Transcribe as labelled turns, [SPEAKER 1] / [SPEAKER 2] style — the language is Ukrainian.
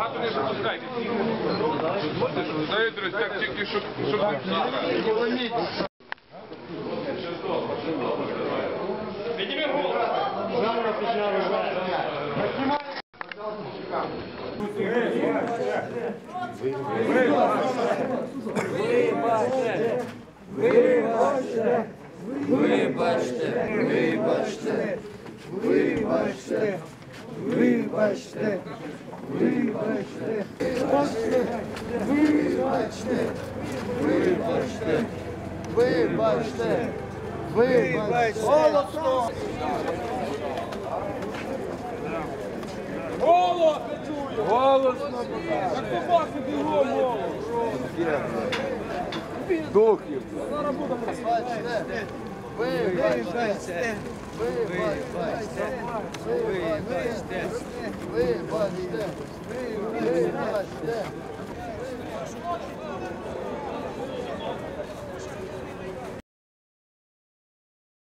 [SPEAKER 1] багато не пропускайте. Дозвольте, що знаєте, так тільки, щоб не всі. Підніми голову.
[SPEAKER 2] Вибачте! Голосно!
[SPEAKER 3] Голос не чую! Голосно! Як собаки бігом голос!
[SPEAKER 2] Духів!
[SPEAKER 3] Зараз будемо
[SPEAKER 2] Вибачте! Вибачте! Вибачте! Вибачте! Вибачте! Вибачте!